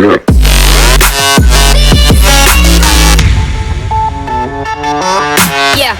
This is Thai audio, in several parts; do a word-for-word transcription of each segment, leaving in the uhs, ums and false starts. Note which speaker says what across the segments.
Speaker 1: Yeah.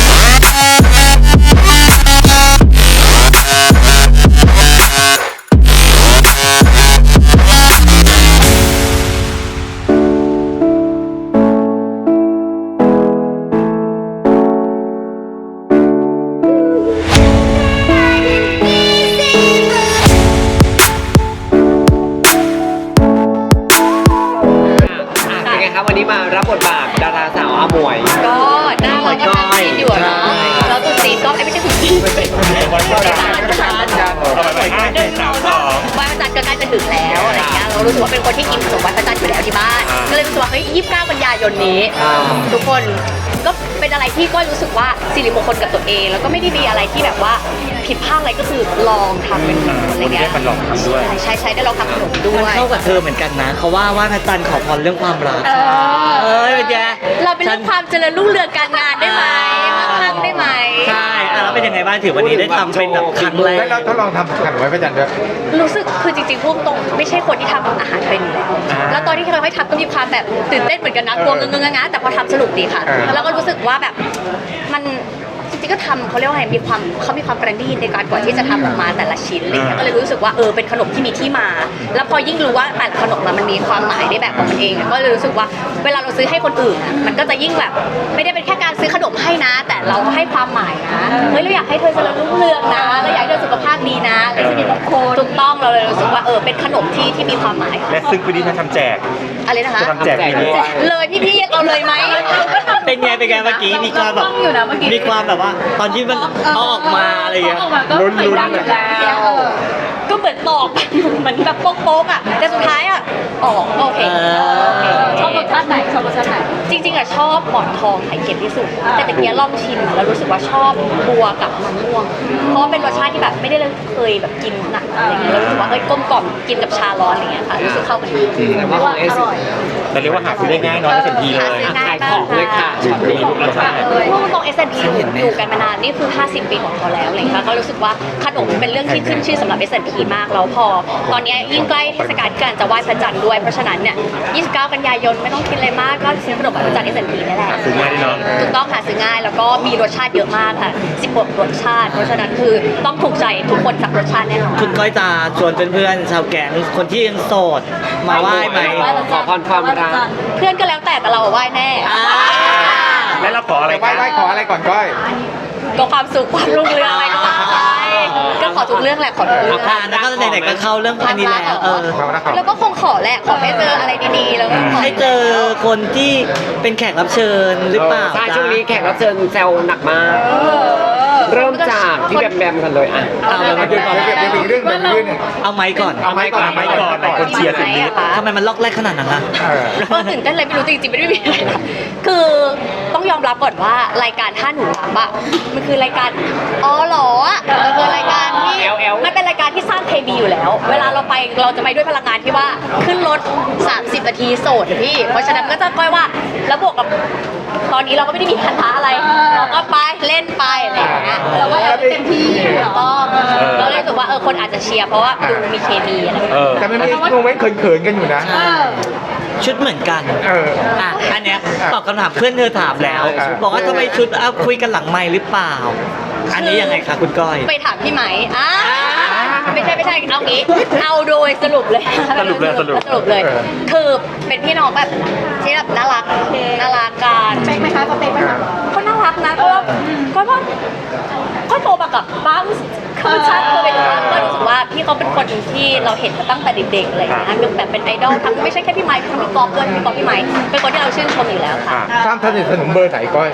Speaker 2: วันนี้มารับบทบาทดาราสาวอาหมวย
Speaker 1: ก็น่ารักก็จีนอยู่เนาะแล้วตุ๊จีนก็ไม่ใช่ตุ๊จีนวันจันทร์วันจันทร์วันจันทร์วันจันทร์ก็ใกล้จะถึงแล้วอะไรเงี้ยเรารู้สึกว่าเป็นคนที่กินขนมวันจันทร์อยู่แล้วที่บ้านก็เลยรู้สึกว่าเฮ้ยยี่สิบเก้ากันยายนนี้ทุกคนก็เป็นอะไรที่ก็รู้สึกว่าสิริมงคลกับตัวเองแล้วก็ไม่ได้มีอะไรที่แบบว่าผิดพลาดอะไรก็คือลองทำเป็นอะไรเงี้ย
Speaker 3: มันลองทำด้วย
Speaker 1: ใช่ใช่ได้ลองทำขนมด้วย
Speaker 4: มันเข้ากับเธอเหมือนกันนะเขาว่าว่าพระจันทร์ขอพรเรื่องความรักเอ้ยเป็นไง
Speaker 1: เราเป็นเรื่องความเจริญรุ่งเรืองการงานได้ไหมมั่งคั่งได้ไหม
Speaker 4: ใช่แล้วเป็นยังไงบ้างถือวันนี้ได้ทำเป็นแบบครั้งแรก
Speaker 3: แล้วทดลองทำขนมไว้พระจันทร์ด้วย
Speaker 1: รู้สึกคือจริงๆพูดตรงไม่ใช่คนที่ทำอาหารเป็นอยู่แล้วแล้วตอนที่เราให้ทำก็มีความแบบตื่นเต้นเหมือนกันนะกลัวเงงๆๆแต่พอทำสนุกดีค่ะแล้วก็รู้สึกว่าแบบมันจริงๆก็ทำเขาเรียกว่าไงมีความเขามีความประณีตในการก่อนที่จะทำออกมาแต่ละชิ้นอะไรเงี้ยก็เลยรู้สึกว่าเออเป็นขนมที่มีที่มาแล้วพอยิ่งรู้ว่าแต่ละขนมมันมีความหมายในแบบของมันเองก็เลยรู้สึกว่าเวลาเราซื้อให้คนอื่นมันก็จะยิ่งแบบไม่ได้เป็นแค่การซื้อขนมให้นะแต่เราให้ความหมายนะเฮ้ยเราอยากให้เธอเจริญรุ่งเรืองนะเราอยากให้เธอสุขภาพดีนะอะไรสิ่งมงคลถูกต้องเราเลยรู้สึกว่าเออเป็นขนมที่ที่มีความหมาย
Speaker 3: และซึ่งปีนี้เธอทำแจก
Speaker 1: อะไรนะคะ
Speaker 3: ทำแจกปีนี้
Speaker 1: เลยพี่ๆยังเอาเลยไหม
Speaker 4: เป็นไงเป็นไงเมื่อกี้มีความแบบมีความแบบว่าตอนที่มันเอาออกมาอะไรอย่างเงี้ย
Speaker 1: ลุ้นๆแล้วก็เหมือนตอกเหมือนแบบโป๊กๆอ่ะแต่สุดท้ายอ่ะออกโอเค
Speaker 5: ชอบรสชาติไหนชอบรสชาติไหน
Speaker 1: จริงๆอ่ะชอบหมอนทองไข่เค็มที่สุดแต่ตะเกียบลองชิมแล้วรู้สึกว่าชอบบัวกับมะม่วงเพราะเป็นรสชาติที่แบบไม่ได้เคยแบบกินหนักอะไรเงี้ยแล้วรู้สึกว่าเฮ้ยกลมกล่อมกินกับชาร้อนอะไรเงี้ยค่ะรู้สึกเข้ากันดี
Speaker 2: แต่ว่าของเอส
Speaker 3: แต่เรียกว่าหาซื้อได้ง่ายน้อยเต็มทีเลย
Speaker 2: ขายของเลยค่ะช็อตนี้ทุกรสชาติ
Speaker 1: พวกตรง เอส แอนด์ พี อยู่กันมานานนี่คือห้าสิบปีของเขาแล้วอะไรเงี้ยก็รู้สึกว่าขนมเป็นเรื่องที่ขึ้นชื่อสำหรับ เอส แอนด์ พี มากแล้วพอตอนนี้ยิ่งใกล้เทศกาลการจะไหว้พระจันทร์ด้วยเพราะฉะนั้นเนี่ยยี่สิบเก้ากันยายนไม่ต้องกินอะไรมากก็ซื้อขนมพระจันทร์ เอส แอนด์ พี นี่แหละ
Speaker 3: ซื้อง่ายดีเนาะ
Speaker 1: ถูกต้องค่ะซื้อง่ายแล้วก็มีรสชาติเยอะมากค่ะสิบหกรสชาติเพราะฉะนั้นคือต้องถูกใจทุกคนสักรสชาติแน่นอน
Speaker 4: คุณก้อยจะชวนเพื่อนๆชาวแก๊งคนที่ยังโสดมาไหว้ไหม
Speaker 2: ขอพรความรัก
Speaker 1: เพื่อนก็แล้วแต่แต่เราไหว้แน่
Speaker 3: แล้วเราขออะไรไหว้ไหว้ขออะไรก่อนก้อย
Speaker 1: ก็ความสุขความรุ่งเรืองอะไรก็ว่าไปก็ขอทุกเรื่องแหละขอทุกเรื่อง
Speaker 4: แล้วก็ไหนๆก็เข้าเรื่องพันนี้แล้วเออ
Speaker 1: แล้วก็คงขอแหละขอให้เจออะไรดีๆแล้วก็
Speaker 4: ให้เจอคนที่เป็นแขกรับเชิญหรือเปล่า
Speaker 2: ใช่ช่วงนี้แขกรับเชิญแซวหนักมากเริ่มจากที่แบมแบมกันเลยอ่ะ
Speaker 4: เอาเลยมาดูก่อน
Speaker 3: เดี๋ยวมีเรื่องเรื่องนึง
Speaker 4: เอาไม้ก่อน
Speaker 3: เอาไม้ก่อนไม้ก่อนหลายคนเชียร์สิ่งนี้
Speaker 4: ทำไมมันล็อกแรกขนาดนั้นล่ะ
Speaker 1: เออตื่นเต้นเลยไม่รู้จริงๆไม่ได้มีอะไรคือต้องยอมรับก่อนว่ารายการท่าหนูรับอะมันคือรายการอ๋อหรอมันคือรายการที่มันเป็นรายการที่สร้างเคมีอยู่แล้วเวลาเราไปเราจะไปด้วยพลังงานที่ว่าขึ้นรถสามสิบนาทีโสดพี่เพราะฉะนั้นก็จะก้อยว่าแล้วบวกกับตอนนี้เราก็ไม่ได้มีพันธะอะไรเราก็ไปเล่นไปอะไรอย่างเงี้ยเราก็เต็มที่ก็เราเลยรู้สึกว่าเออคนอาจจะเชียร์เพราะว่าดูมีเคมีอะไร
Speaker 3: แต่มันมีโมเมนต์เขินๆกันอยู่นะ
Speaker 4: ชุดเหมือนกัน
Speaker 3: เออ
Speaker 4: อ่ะอันเนี้ยตอบคำถามเพื่อนเธอถามแล้วบอกว่าทำไมชุดเอาคุยกันหลังไมค์หรือเปล่าอันนี้ยังไงคะคุณก้อย
Speaker 1: ไปถามพี่ไหมอ่าไม่ใช่ไม่ใช่เอางี้เอาโดยสรุปเลย
Speaker 3: สรุปเลยสรุป
Speaker 1: สรุปเลยคือเป็นพี่น้องแบบที่แบบน่ารักน่ารักกัน
Speaker 5: เป๊กไหมคะเขาเป๊กไหมคะ
Speaker 1: ก็น่ารักนะก็ก็ว่าก็โตมากับบ้างคือชาติเคยเป็นบ้างก็รู้สึกว่าพี่เขาเป็นคนที่เราเห็นมาตั้งแต่เด็กๆอะไรอย่างเงี้ยเป็นแบบเป็นไอดอลทั้งไม่ใช่แค่พี่ไมค์ทั้งพี่กอล์ฟด้วยพี่กอล์ฟพี่ไมค์เป็นคนที่เราชื่นชมอยู่แล้วค่ะ
Speaker 3: ข้ามท่านสนมเบอร์ไหนก้อย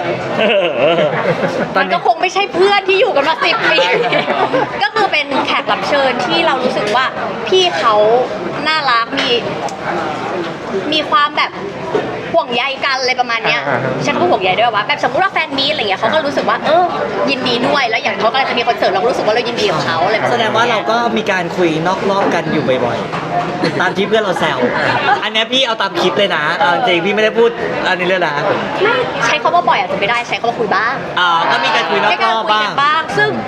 Speaker 1: มันก็คงไม่ใช่เพื่อนที่อยู่กันมาสิบปีก็คือเป็นแขกรับเชิญที่เรารู้สึกว่าพี่เขาน่ารักมีมีความแบบห่วงใยกันอะไรประมาณเนี้ยฉันก็ห่วงใยด้วยว่าแบบสมมติว่าแฟนมีอะไรเงี้ยเขาก็รู้สึกว่าเออยินดีด้วยแล้วอย่างเขากำลังจะมีคอนเสิร์ตเราก็รู้สึกว่าเรายินดีกับเขาอะไร
Speaker 4: แสดงว่าเราก็มีการคุยนอกรอบกันอยู่บ่อยๆตามที่เพื่อนเราแซวอันนี้พี่เอาตามคลิปเลยนะจริงพี่ไม่ได้พูดอันนี้เลยนะ
Speaker 1: ไม่ใช้คำว่าบ่อยอาจจะไม่ได้ใช้คำว่าคุยบ้าง
Speaker 4: อ่าก็มีการคุยนอกรอบบ้าง
Speaker 1: บ้างซึ่ง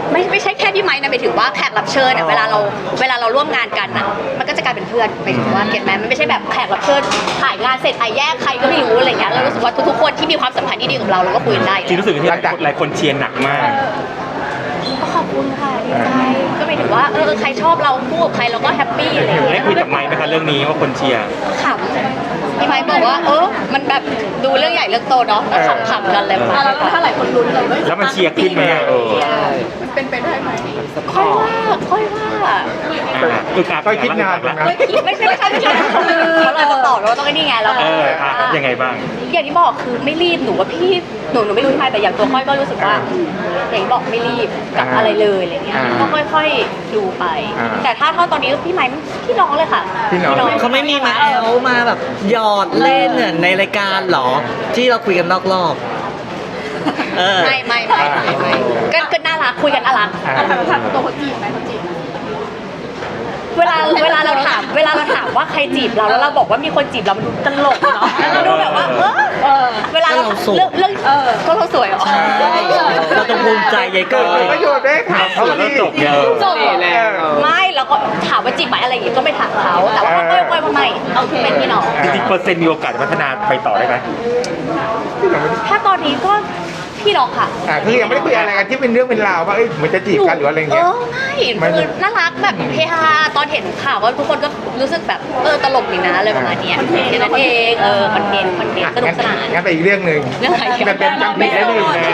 Speaker 1: ไม่ไม่ใช่แค่พี่ไม้นะหมายถึงว่าแขกรับเชิญเนี่ยเวลาเราเวลาเราร่วมงานกันอ่ะมันก็จะกลายเป็นเพื่อนหมายถึงว่าเก็ตไหมมันไม่ใช่แบบแขกรับเชิญถ่ายงานเสร็จไอ้แยกใครก็ไม่รู้อะไรเงี้ยเรารู้สึกว่าทุกๆคนที่มีความสัมพันธ์ที่ดีกับเราเราก็คุยกันได้
Speaker 3: จริงรู้สึกที่หลายคนเชียร์หนักมาก
Speaker 1: ก็ขอบคุณค่ะดีใจก็หมายถึงว่าเออใครชอบเราคู่กับใครเราก็แฮปปี้อะไรอย่าง
Speaker 3: ได้
Speaker 1: เงี้ย
Speaker 3: คุยกับไมค์ไหมคะเรื่องนี้ว่าคนเชียร์
Speaker 1: ขำพี่ไม้บอกว่าเออมันแบบดูเรื่องใหญ่เรื่องโตเนาะแล้วขำๆกันเลย
Speaker 5: อ่ะแล้วถ้าหลายคนลุ้นเลย
Speaker 3: แล้วมันเชียร์ขึ้นไหมอะเออ
Speaker 5: มันเป็นไปได้ไหม
Speaker 1: ค่อยว่าค่อยว่า
Speaker 3: คือการก็คิดนานนะ
Speaker 1: ไม่ไม่ใช่ไม่ใช่ไม่ใช่เขาเราจะตอบเราต้องไอ้นี่ไงเรา
Speaker 3: เอออ่ะยังไงบ้าง
Speaker 1: อย่างที่บอกคือไม่รีบหนูว่าพี่หนูหนูไม่รู้ทำไมแต่อย่างตัวค่อยก็รู้สึกว่าอย่างที่บอกไม่รีบกับอะไรเลยอะไรเงี้ยก็ค่อยๆดูไป แต่ถ้าเท่าตอนนี้พี่ไม้พี่น้องเลยค่ะ
Speaker 3: พี่น้อง
Speaker 4: เขาไม่มีมาแอลมาแบบหยอดเล่นเนี่ยในรายการเหรอ ที่เราคุยกันนอกรอบเออ
Speaker 1: ไม่ไม่ไม่ไม่ไม่ก็ก็น่ารักคุยกันน่ารัก
Speaker 5: อ่ะถามถามตัวเขาจีบไหมเขาจีบไหม
Speaker 1: เวลาเวลาเราถามเวลาเราถามว่าใครจีบเราแล้วเราบอกว่ามีคนจีบเรามันดูตลกเนาะแล้วเราดูแบบว่าเออ
Speaker 5: เออ
Speaker 1: เวลาเรา
Speaker 4: ก็เราสวย
Speaker 1: เรื่องเรื่องก็เราสวยเหรอ
Speaker 4: เราต้องภูมิใจยายก้อย
Speaker 3: ประโยชน์ได้ถามเขาที่จบเยอะ
Speaker 1: จบเหรอไม่เราก็ถามว่าจีบไหมอะไรอย่างงี้ก็ไม่ถามเขาแต่ว่าก็ค่อยๆมาใหม่เอาเป็นพี่น้อง
Speaker 3: จริงๆเปอร์เซ็นต์มีโอกาสจะพัฒนาไปต่อได้ไหม
Speaker 1: ถ้าตอนนี้ก็พี่น้องค่ะ
Speaker 6: อ่าคือยังไม่ได้คุยอะไรกันที่เป็นเรื่องเป็นราวว่าเอ้ยเหมือนจะจีบกันหรืออะไร
Speaker 1: เอ
Speaker 6: เงี้ย
Speaker 1: อไม่คือน่ารักแบบเฮฮาตอนเห็นข่าวว่าทุกคนก็รู้สึกแบบเออตลกดีนะอะไรประมาณเนี้ยแค่นั้นเองเออคอนเทนต์คอนเทนต์สนุกสนาน
Speaker 6: งั้นไปอีกเรื่องหนึ่ง
Speaker 1: เรื่องอะไร
Speaker 6: แบบเป็นจำผิดได้หนึ่งนะ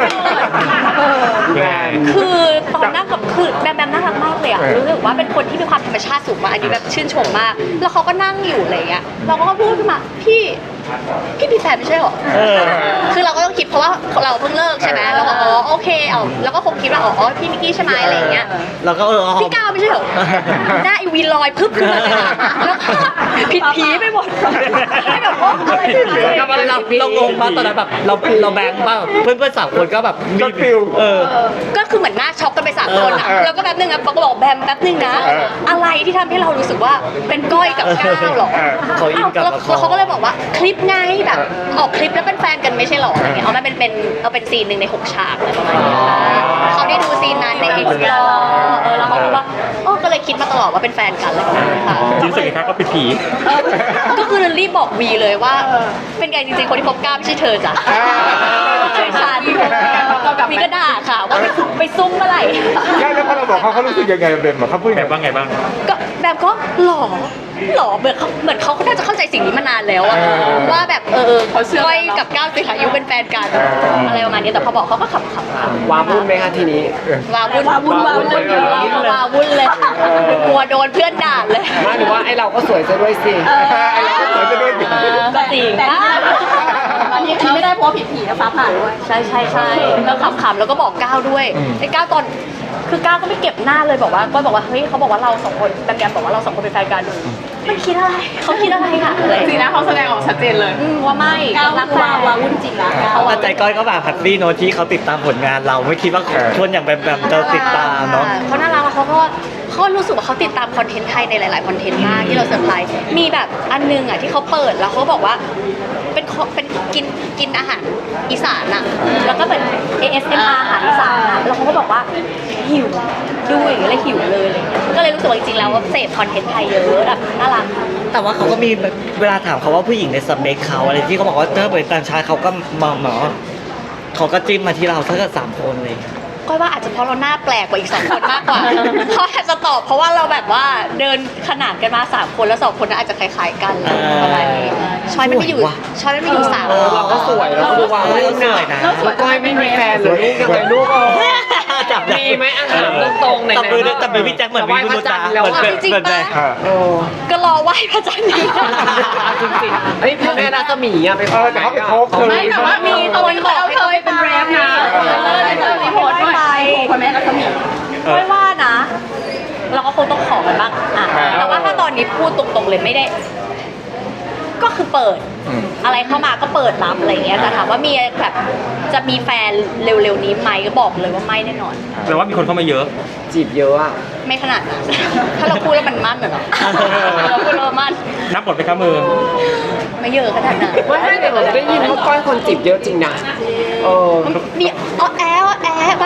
Speaker 3: ยังไง
Speaker 1: คือตอนนั่งกับคือแบมแบมน่ารักมากเลยอะรู้สึกว่าเป็นคนที่มีความธรรมชาติสูงมากอันนี้แบบชื่นชมมาก แล้วเขาก็นั่งอยู่อะไรเงี้ยเราก็พูดขึ้นมาพี่พี่มีแฟนไม่ใช่หรอ
Speaker 4: เออ
Speaker 1: คือเราก็ต้องคิดเพราะว่าเราเพิ่งเลิกใช่ไหมเราก็อ๋อโอเคเอาแล้วก็คงคิดว่าอ๋อพี่มิกกี้ใช่ไหมอะไรอย่างเงี้ย
Speaker 4: เราก็เออ
Speaker 1: พี่ก้าวไม่ใช่เหรอหน้าอีวีลอยพึบขึ้นมาเลยอะแล้วก็ผิดผีไปหมดให้แบบว่าอะไรผิดผี
Speaker 4: เราเราเรางงมากตอนนั้นแบบเราเราแบงค์ป่ะเพื่อนเพื่อนๆสามคนก็แบบรีบ
Speaker 6: ฟิล
Speaker 4: เออ
Speaker 1: ก็คือเหมือนหน้าช็อกกันไปสามคนอะ
Speaker 6: เออ
Speaker 1: แล้วก็แป๊บนึงอะปอกก็บอกแบมแป๊บนึงนะ
Speaker 6: เออ
Speaker 1: อะไรที่ทำให้เรารู้สึกว่าเป็นก้อยกับก้าวหรอ
Speaker 6: เออ
Speaker 4: เขาอินกับ
Speaker 1: แล้ว
Speaker 4: ละคร
Speaker 1: แล้วเขาก็เลยบอกว่าคลิปไงแบบออกคลิปแล้วเป็นแฟนกันไม่ใช่หรออะไรเงี้ยเอามาเป็นเป็นเอาเป็นซีนหนึ่งในหกฉากอะไรประมาณนี้เขาได้ดูซีนนั้นในเอ็กซ์เออแล้วเขาบอกว่าโอ้ก็เลยคิดมาตลอดว่าเป็นแฟนกันอะไรประมาณนี้ค่ะ
Speaker 3: จริงรู้สึกไงคะก็เป็นผี
Speaker 1: ก็คือรีบบอกวีเลยว่า เป็นไงจริงๆคนที่คบก้าวไม่ใช่เธอจ้ะใช่ฉันวีก็ด่าค่ะว่าไปไปซุ่มเมื่อไหร่
Speaker 6: ใช่แล้วพอเราบอกเขาเขารู้สึกยังไงเบนบอกเขาพูด
Speaker 3: แบบว่าไงบ้าง
Speaker 1: ก็แบบก็หล่อหล่อเหมือนเขาเหมือนเขาก็น่าจะเข้าใจสิ่งนี้มานานแล้วอะว่าแบบเออเขาเชื่อก้อยกับก้าวสิขายุเป็นแฟนกันอะไรประมาณนี้แต่พอบอกเขาก็ขำๆ
Speaker 2: วาวุ่นไหมคะทีนี้
Speaker 1: วาวุ่นวาวุ่นวาวุ่นเลยวาวุ่นเลยกลัวโดนเพื่อนด่าเลย
Speaker 2: ไมาหรือว่าไอ้เราก็สวยซะด้วยสิ
Speaker 6: ไอ้เราก็สวยจะด้วยสิ
Speaker 1: ก็จริง
Speaker 5: แต่อันนี้อันนี้ไม่ได้เพราะผิดผีนะฟ้าผ่าด้วย
Speaker 1: ใช่ใช่ใช่แล้วขำๆแล้วก็บอกก้าวด้วยไอ้ก้าวตอนคือก้าวก็ไม่เก็บหน้าเลยบอกว่าก็บอกว่าเฮ้ยเขาบอกว่าเราสองคนแบมแบมบอกว่าเราสองคนเป็นแฟนกันมันคิดอะไรเขาคิดอะไรอะอะไร
Speaker 5: สีหน้าเขาแสดงออกชัดเจนเลย
Speaker 1: อืมว่าไม่
Speaker 5: ก้าว
Speaker 1: รักแฟ
Speaker 5: วาน วาวุ่นจริงนะก้าว
Speaker 4: แต่ใจก้อยก็แบบแฮปปี้โนตที่เขาติดตามผลงานเราไม่คิดว่าคนอย่างแบบแบบจะติดตามเนาะ
Speaker 1: เขาน่ารักแล้วเขาก็เขารู้สึกว่าเขาติดตามคอนเทนต์ไทยในหลาย ๆ คอนเทนต์มากที่เราเซอร์ไพรส์มีแบบอันนึงอ่ะที่เขาเปิดแล้วเขาบอกว่าเป็นคเป็นกินกินอาหารอีสานอ่ะแล้วก็เป็น เอ เอส เอ็ม อาร์ อาหารอีสานอ่ะแล้วเขาก็บอกว่าหิวดูอย่างเงี้ยเลยหิวเลยอะไรเงี้ยก็เลยรู้สึกว่าจริง ๆ แล้วว่าเสพคอนเทนต์ไทยเยอะแบบน่ารัก
Speaker 4: แต่ว่าเขาก็มีแบบเวลาถามเขาว่าผู้หญิงในสเปคเขาอะไรที่เขาบอกว่าถ้าเป็นต่างชาติเขาก็มองหมอเขาก็จิ้มมาที่เราถ้าเกิดสามคนเลย
Speaker 1: ก้อยว่าอาจจะเพราะเราหน้าแปลกกว่าอีกสองคนมากกว่า เขาอาจจะตอบเพราะว่าเราแบบว่าเดินขนานกันมาสามคนแล้วสองคนนั้นอาจจะคล้ายๆกันอะไรประมาณนี้ชอยไม่ไปอยู่
Speaker 4: สวยว่ะ
Speaker 1: ชอยไม่ไปอยู่สาม
Speaker 2: เออเราก็สวยเราก็ดูวาวุ่น
Speaker 4: เหนื่อยนะ
Speaker 2: แล้วก้อยไม่มีแฟนเหรือลูกยังไงลูกเออ
Speaker 4: จับได้
Speaker 2: มีไหมอาหารตรงๆไหนๆ
Speaker 4: จับมือจับมือพี่แจ็คเหมือนมีมือตา
Speaker 2: แล้ว
Speaker 4: เหมือน
Speaker 2: อะ
Speaker 4: เป็นเหมือนเป็น
Speaker 2: เออ
Speaker 1: ก็รอไหว้พระจันทร์นี้
Speaker 2: จริงๆเฮ้ยพี่แม่รัศมีอะไป
Speaker 6: เออแต่เขาไปโคบเธอ
Speaker 5: ไม่แต่ว่ามีคนบอกให้เธอเป็นแรปนะเออเธอมีโพสต์ด้วยคนแม่รัศมี
Speaker 1: ไม่ว่านะ เราก็คงต้องขอกันบ้างอ่ะแต่ว่าถ้าตอนนี้พูดตรงๆเลยไม่ได้ ก็คือเปิด อะไรเข้ามาก็เปิดรับอะไรเงี้ยแต่ถามว่ามีแบบจะมีแฟนเร็วๆนี้ไหมก็บอกเลยว่าไม่แน่นอน
Speaker 3: แต่ว่ามีคนเข้ามาเยอะ
Speaker 2: จีบเยอะอะ
Speaker 1: ไม่ขนาดนั้น ถ้าเราพูดแล้วมันมั่นเหรอเราพูดแล้วมันมั่น
Speaker 3: นับหมดไปครับมือ
Speaker 1: ไม่เยอะขนาดนั้น
Speaker 2: ไม่ไม่แต่เราได้ยินว่าก้อยคนจีบเยอะจริงนะเออ
Speaker 1: มีอ้อแออ้อแอบ้าง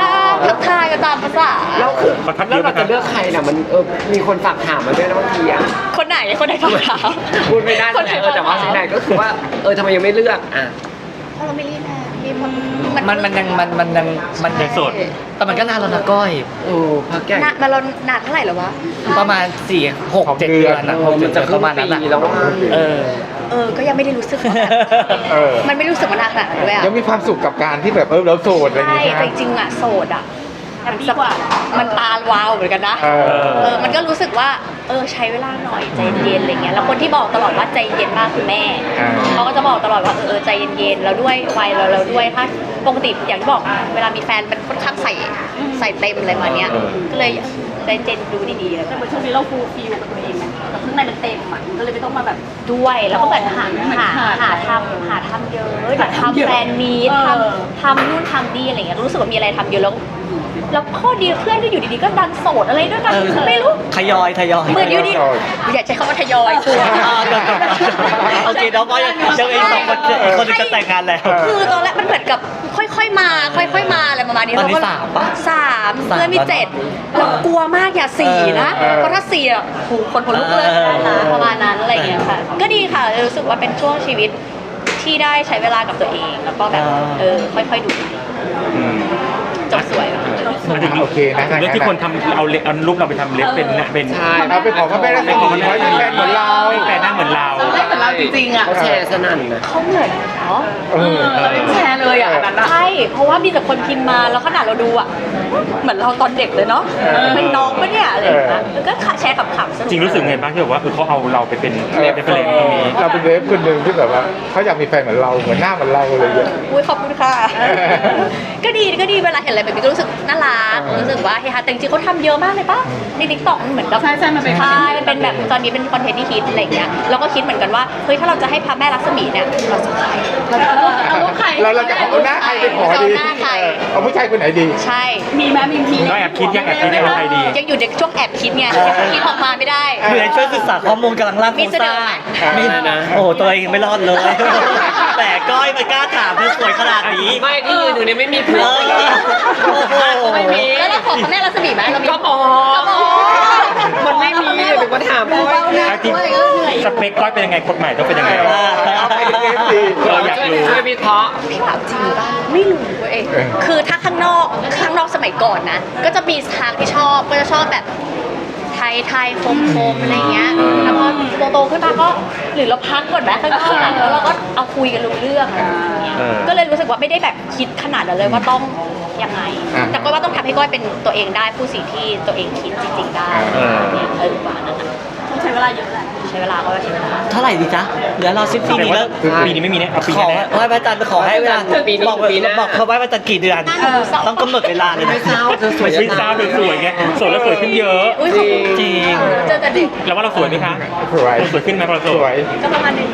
Speaker 1: ทักทายกันตามภาษา
Speaker 2: แล้วคือ
Speaker 3: ขอทักเย
Speaker 2: แล้ว
Speaker 3: อะไหม
Speaker 2: เรา
Speaker 3: ครั
Speaker 2: จะ
Speaker 3: บ
Speaker 2: เลือกใครน่ะมันเออมีคนฝากถามมาด้วยนะบางทีอ่ะ
Speaker 1: คนไหนคนไหนฟังถาม
Speaker 2: พูดไม่ได้แต่เออแต่ว่าสิ่งใดก็คือว่าเออทำไมยังไม่เลือกอ่ะ
Speaker 1: เพราะเราไม่รีบนะมีมัน
Speaker 4: มันมันยังมันมันยังมัน
Speaker 3: ยังโสด
Speaker 4: แต่มันก็นานแล้วนะก้อย
Speaker 2: โอ้พักใหญ่
Speaker 1: นานมาเรานานเท่าไหร่แล้ววะ
Speaker 4: ประมาณสี่หกเจ็ดเดือนนะ
Speaker 2: เออมันจะ
Speaker 4: ประมาณนั้น
Speaker 2: ครึ่งปี
Speaker 4: อะ
Speaker 2: แล้วอะ
Speaker 4: เออ
Speaker 1: เออก็ยังไม่ได้รู้สึกว่า
Speaker 6: เออ
Speaker 1: มันไม่รู้สึกว่านานขนาดนั้นด้วยอะ
Speaker 6: ยังมีความสุขกับการที่แบบเออเราโสดอะไรอย่าง
Speaker 1: ใช่
Speaker 6: เงี้ย
Speaker 1: แต่จริงๆอะโสดอะมันสบายมันตาลวาวเหมือนกันนะ
Speaker 6: เออ
Speaker 1: เออ มันก็รู้สึกว่า เออ ใช้เวลาหน่อย ใจเย็นอะไรเงี้ย แล้วคนที่บอกตลอดว่าใจเย็นมากคือแม่
Speaker 6: อ่า
Speaker 1: เขาก็จะบอกตลอดว่า เออเออใจเย็นๆ แล้วด้วยวัยเราเราด้วย ถ้าปกติอย่างที่บอก เวลามีแฟนเป็นค่อนข้างใส่ ใส่เต็มอะไรมาเนี้ย ก็เลยใจเย็นดูดีๆแล้ว
Speaker 5: แต่เหมือนช่วงนี้เราฟูลฟิลกับตัวเองนะแต่ข้างในมันเต็มอ่ะก็เลยไม่ต้องมาแบบ
Speaker 1: ด้วย แล้วก็เหมือนหา
Speaker 5: เหมือน
Speaker 1: หา
Speaker 5: ขาด
Speaker 1: หาทำหาทำเยอะเดี๋ยว
Speaker 5: หาทำเย
Speaker 1: ทำ
Speaker 5: อะ
Speaker 1: แฟนมีต
Speaker 5: เออ
Speaker 1: ทำทำนู่นทำนี่อะไรเงี้ย รู้สึกว่ามีอะไรทำเยอะแล้ว แล้วข้อดีเพื่อนก็อยู่ดีๆ ก็ดันโสดอะไรด้วยกัน
Speaker 4: เออ
Speaker 1: ไม่รู้
Speaker 4: ทยอยทยอย
Speaker 1: เหมือนอยู่ดีอย่าใช้คำว่าทยอยกลัว
Speaker 4: อ่าก่อนก่อนโอเคน้องก็ยังยังอีกสองคนอีกคนหนึงจะแต่งงานแล้ว
Speaker 1: คือตอนแรกมันเหมือนกับค่อยๆมา ค่อยๆมาอะไรประมาณนี้
Speaker 4: ตอนนี้
Speaker 1: เรก็
Speaker 4: สามปะ
Speaker 1: สาม
Speaker 4: สาม
Speaker 1: เพื่อนมี
Speaker 4: แล้วเนอะ
Speaker 1: เจ็ดเรากลัวมากอย่าสี่นะ
Speaker 6: เออ
Speaker 1: เพราะถ้าสี่อ่ะโหคนคนลุกเลย
Speaker 4: เออ
Speaker 1: นะประมาณนั้นอะไรอย่างเงี้ยค่ะ ก็ดีค่ะรู้สึกว่าเป็นช่วงชีวิตที่ได้ใช้เวลากับตัวเอง แล้วก็แบบเออค่อยๆดูจบสวยอะ
Speaker 6: โอเคนะ
Speaker 3: เรื่องที่คนทำเอาเล็บเอารูปเราไปทำเล็บเป็นเป็น
Speaker 2: ใช่
Speaker 6: เราไปขอพ่อแม่รัศมีไว้มีแฟนเหมือนเรา
Speaker 3: ให้แฟนหน้าเหมือนเรา
Speaker 5: เราไม่เหมือนเราจริงๆอ่ะ
Speaker 2: เขาแชร์สนั่นนะ
Speaker 1: เขาเหมือนเนาะ
Speaker 6: เออ
Speaker 5: เราไม่แชร์เลยอ่ะอันนั้นอ่ะ
Speaker 1: ใช่ เพราะว่ามีแต่คนพิมพ์มาแล้วขนาดเราดูอ่ะเหมือนเราตอนเด็กเลยเนาะเป็นน้องปะเนี่ยอะไรอย่างเงี้ยแล้วก็แชร์ขำๆสนุก
Speaker 3: จริงรู้สึกไงบ้างที่แบบว่าเออเขาเอาเราไปเป็น
Speaker 6: เออ
Speaker 3: เรฟเฟรนตรงนี้
Speaker 6: เราเป็นเวฟคนหนึ่งที่แบบว่าเขาอยากมีแฟนเหมือนเราเหมือนหน้าเหมือนเราอะไรอย่างเงี้ย
Speaker 1: อุ้ยขอบคุณค่ะ ก็ดีก็ดีเวลาเห็นอะไรแบบนี้ก็รู้สึกน่ารัก
Speaker 6: เออ
Speaker 1: รู้สึกว่าเฮฮาแต่จริงๆเขาทำเยอะมากเลยป่ะในทิกตอกมันเหมือนกับ
Speaker 5: ใช่ใช่มันเป็น
Speaker 1: ใช่มันเป็นแบบตอนนี้เป็นคอนเทนต์ที่ฮิตอะไรอย่างเงี้ยเราก็คิดเหมือนกันว่าเฮ้ยถ้าเราจะให้พระแม่ลักษมีเนี่ยเราจะใคร
Speaker 5: เราจะเอารูปเอารูปใคร
Speaker 6: เราเราจะเอาหน้าใครไปขอดี
Speaker 1: เอาหน้าใคร
Speaker 6: เออเอาผู้ชายคนไหนดี
Speaker 1: ใช่
Speaker 5: มีไหมมีมี
Speaker 3: ก็แอบคิดยังแอบคิดยังว่าใครดี
Speaker 1: ยังอยู่ในช่วงแอบคิดไงคิดออกมาไม่ได้
Speaker 4: อยู่ในช่วยศึกษาข้อมูลกำลังร่างโค
Speaker 1: มี
Speaker 4: รง
Speaker 1: เส
Speaker 4: ส
Speaker 1: น
Speaker 4: ร้า
Speaker 1: อไหม
Speaker 4: งมีนะโอ้โหตัวเองไม่รอดเลย แต่ก้อยมันกล้าถามเธอสวยขนาดนี้
Speaker 2: ไม่ที่ยืนอยู่เนี่ยไม่มีผัว
Speaker 4: เออโอ้โห
Speaker 2: ไม่มี
Speaker 1: แล้วเราขอพระแม่ลักษมีไหมเรามี
Speaker 2: ก็พอ
Speaker 1: ก็พอ
Speaker 2: มันไม่มีเดี๋ยวมาถามพ่อย
Speaker 3: อาทิตย์สเปคก้อยเป็นยังไงคนใหม่ต้องเป็นยังไง
Speaker 6: เอาไปเป็นเอฟซี
Speaker 3: เอออยากรู้
Speaker 2: ช่วยวิเคราะห์
Speaker 1: พี่ถามจริงป่ะไม่รู้เว้ย
Speaker 6: เออ
Speaker 1: คือถ้าข้างนอกข้างนอกสมัยก่อนนะ ก็จะมีทางที่ชอบก็จะชอบแบบไทยไทยคมคมอะไรเงี้ยแล้วพอโตๆขึ้นมาก็หรือเราพักก่อนไหมข้างนอกอะแล้วเราก็เอาคุยกันรู้เรื่องอะไรอย่างเงี้ย
Speaker 3: เออ
Speaker 1: ก็เลยรู้สึกว่าไม่ได้แบบคิดขนาดนั้นเลยว่าต้องยังไง
Speaker 6: อ่า
Speaker 1: แต่ก็ว่าต้องทำให้ก้อยเป็นตัวเองได้ผู้สิ่งที่ตัวเองคิดจริงๆได้
Speaker 3: เออ
Speaker 1: เนี่ยเออประมาณนั้นอะ
Speaker 5: ต้องใช้เวลาเยอะแหละ
Speaker 1: ใช้เวลาก็ใช้เวลา
Speaker 4: เท่าไหร่ดีจ๊ะเหลือเราสิบปีนี้แล้ว
Speaker 3: ปีนี้ไม่มีเนี่ยเอาปี
Speaker 4: ขอ
Speaker 3: แน่
Speaker 4: ไหว้พระจันทร์ขอให้เวลา
Speaker 2: ปีนี้
Speaker 4: บอก
Speaker 2: ปีหน้า
Speaker 4: บอกเขาไหว้พระจันทร์กี่เดือน ต้องกำหนดเวลาเลย
Speaker 2: ไม่
Speaker 4: นะ
Speaker 2: เศร้าเธอสวย
Speaker 3: ไม่ใช่เศร้าเธอสวยไงสวยแล้วสวยขึ้นเยอะ
Speaker 1: อุ้ยขอบคุณ
Speaker 4: จริง
Speaker 1: เจอกันเด็ก
Speaker 3: แล้วว่าเราสวยไหมคะ
Speaker 6: สวย
Speaker 3: เราสวยขึ้นไหมพอเราส
Speaker 6: ส
Speaker 3: ว
Speaker 6: วย ย
Speaker 1: ก็ประมาณนึง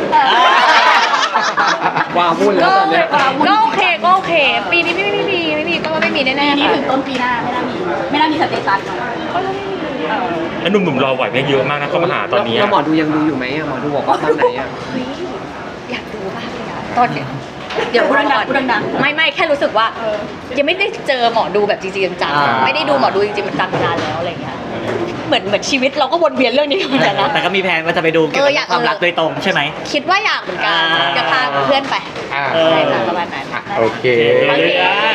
Speaker 2: ว้าววุ่นแล้วตอนเนี้ย
Speaker 1: ก็โอเคก็โอเค ปีนี้ไม่ไม่มีไม่มีก็ไม่มีแน่
Speaker 5: ปี
Speaker 1: ๆ
Speaker 5: นี้
Speaker 1: ค่ะ
Speaker 5: ถึงต้นปีหน้าไม่น่ามี ไม่น่ามีสเตตัสเนอะ
Speaker 3: แล้วหนุ่มๆรอไหวไหมเยอะมากนะเขามาหาตอนนี้
Speaker 2: แล้วหมอดูยังดูอยู่ไหมอะหมอดูบอกว่าตอนไหนอะ
Speaker 1: เฮ้ยอยากดูมากเลยอะตอนเนี้ยเดี๋ยวพูดก่อน
Speaker 5: พูดดังๆ
Speaker 1: ไม่ไม่แค่รู้สึกว่า ยังไม่ได้เจอหมอดูแบบจริงๆจัง
Speaker 4: อ่า
Speaker 1: ๆไม่ได้ดูหมอดูจริงๆจังๆมานานแล้วอะไรเงี้ยเหมือนเหมือนชีวิตเราก็วนเวียนเรื่องนี้เหมือนกันนะ
Speaker 4: แต่ก็มีแผนว่าจะไปดูเกี่ยว
Speaker 1: เอ
Speaker 4: กั
Speaker 1: ออยาก
Speaker 4: บความรักโดยตรงใช่ไหม
Speaker 1: คิดว่าอยากเหมือนกัน
Speaker 4: อ่า
Speaker 1: จะพาเพื่อนไป
Speaker 6: อ่า
Speaker 1: ใช่ค่ะประมาณนั้น
Speaker 6: โอเค
Speaker 1: โอเค